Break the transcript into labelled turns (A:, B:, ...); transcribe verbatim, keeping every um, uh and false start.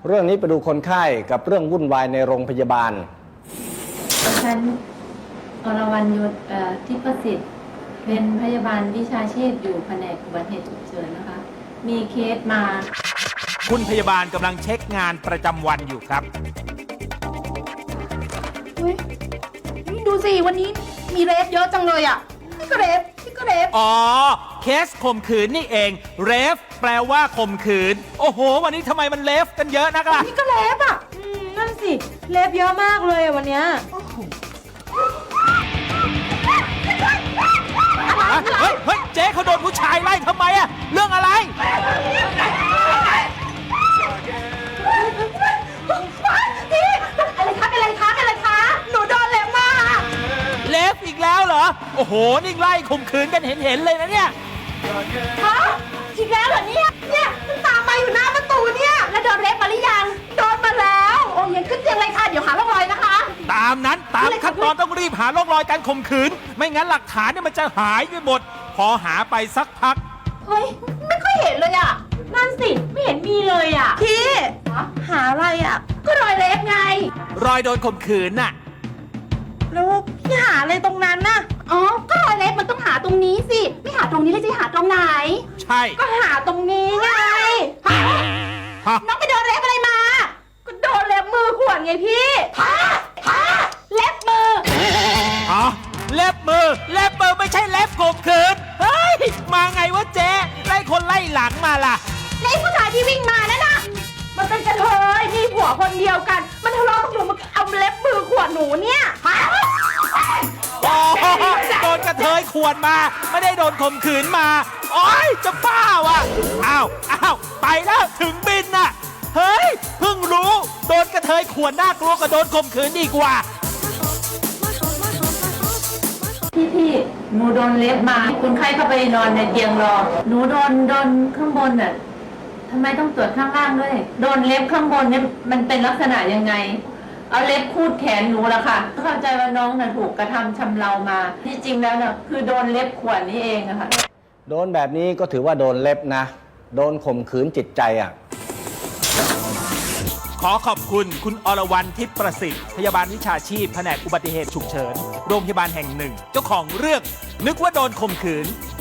A: เรื่องนี้ไปดูคนไข้กับเรื่องวุ่นวายในโรงพยาบาล
B: ฉันอรวรรณยศทิพสิทธิ์เป็นพยาบาลวิชาชีพอยู่แผนกอุบัติเหตุฉุกเฉินนะคะมีเคสมา
C: คุณพยาบาลกำลังเช็คงานประจำวันอยู่ครับ
D: เฮ้ยดูสิวันนี้มีเรฟเยอะจังเลยอ่ะนี่ก็เรฟนี่ก็เรฟ
C: อ๋อเคสข่มขืนนี่เองเรฟแปลว่าข่มขืนโอ้โหวันนี้ทำไมมันเลฟกันเยอะนักล่ะ
D: นี่ก็เรฟอ่ะอืมนั่นสิเรฟเยอะมากเลยวันเนี้ย
C: เฮ้ยเฮ้ยเจ๊เขาโดนผู้ชายไล่ทำไมอะเรื่องอะไร
D: พี่อะไรคะอะไรคะอะไรคะหนูโดนเล็บมา
C: เลฟอีกแล้วเหรอโอ้โหนี่ไล่ข่มขืนกันเห็นเห็นเลยนะเนี่ย
D: ฮะอีกแล้วเหรอเนี่ยเนี่ยมันตามมาอยู่หน้าประตูเนี่ยแล้วโดนเล็บมาหรือยังโดนมาแล้วโอ้ยขึ้นเตียงเลยค่ะเดี๋ยวหาร่องรอยนะคะ
C: ตามนั้นตามขั้นตอนต้องรีบหาร่องรอยการข่มขืนไม่งั้นหลักฐานเนี่ยมันจะหายไปหมดพอหาไปสักพัก
D: เฮ้ยไม่ค่อยเห็นเลยอ่ะนั่นสิไม่เห็นมีเลยอ่ะพี่หาอะไรอ่ะก็รอยเล็บไง
C: รอยโดนข่มขืนน่ะ
D: แล้วพี่หาอะไรตรงนั้นน่ะอ๋อก็รอยเล็บมันต้องหาตรงนี้สิไม่หาตรงนี้แล้วจะหาตรงไหน
C: ใช่
D: ก็หาตรงนี้ไงน้องไปโดนเล็บอะไรมาก็โดนเล็บมือข่วนไงพี่ฮะฮะเล็บมือ
C: ฮะเล็บมือเล็บมือไม่ใช่เล็บข่มขืนเฮ้ยมาไงวะเจ๊ไล่คนไล่หลังมาล่ะ
D: ไอ้ผู้ชายที่วิ่งมานั่นน่ะมันเป็นกระเทยมีผัวคนเดียวกันมันทะเลาะกับหนูมันเอาเล็บมือข่วนหนูเนี่ย
C: โอ้โดนกระเทยข่วนมาไม่ได้โดนข่มขืนมาโอ๊ยจะบ้าวะอ้าวอ้าวไปแล้วถึงบินน่ะเฮ้ยเพิ่งรู้โดนกระเทยข่วนน่ากลัวกว่าโดนข่มขืนดีกว่า
B: พี่พี่หนูโดนเล็บมาคนไข้เข้าไปนอนในเตียงรอหนูโดนโดนข้างบนน่ะทำไมต้องตรวจข้างล่างด้วยโดนเล็บข้างบนเนี่ยมันเป็นลักษณะยังไงเอาเล็บคูดแขนหนูละค่ะเข้าใจว่าน้องน่ะถูกกระทำชำเรามาที่จริงแล้วน่ะคือโดนเล็บข่วนนี่เองอะค่ะ
A: โดนแบบนี้ก็ถือว่าโดนเล็บนะโดนข่มขืนจิตใจอ่ะ
C: ขอขอบคุณคุณอรวรรณทิพย์ประสิทธิ์พยาบาลวิชาชีพแผนกอุบัติเหตุฉุกเฉินโรงพยาบาลแห่งหนึ่งเจ้าของเรื่องนึกว่าโดนข่มขืน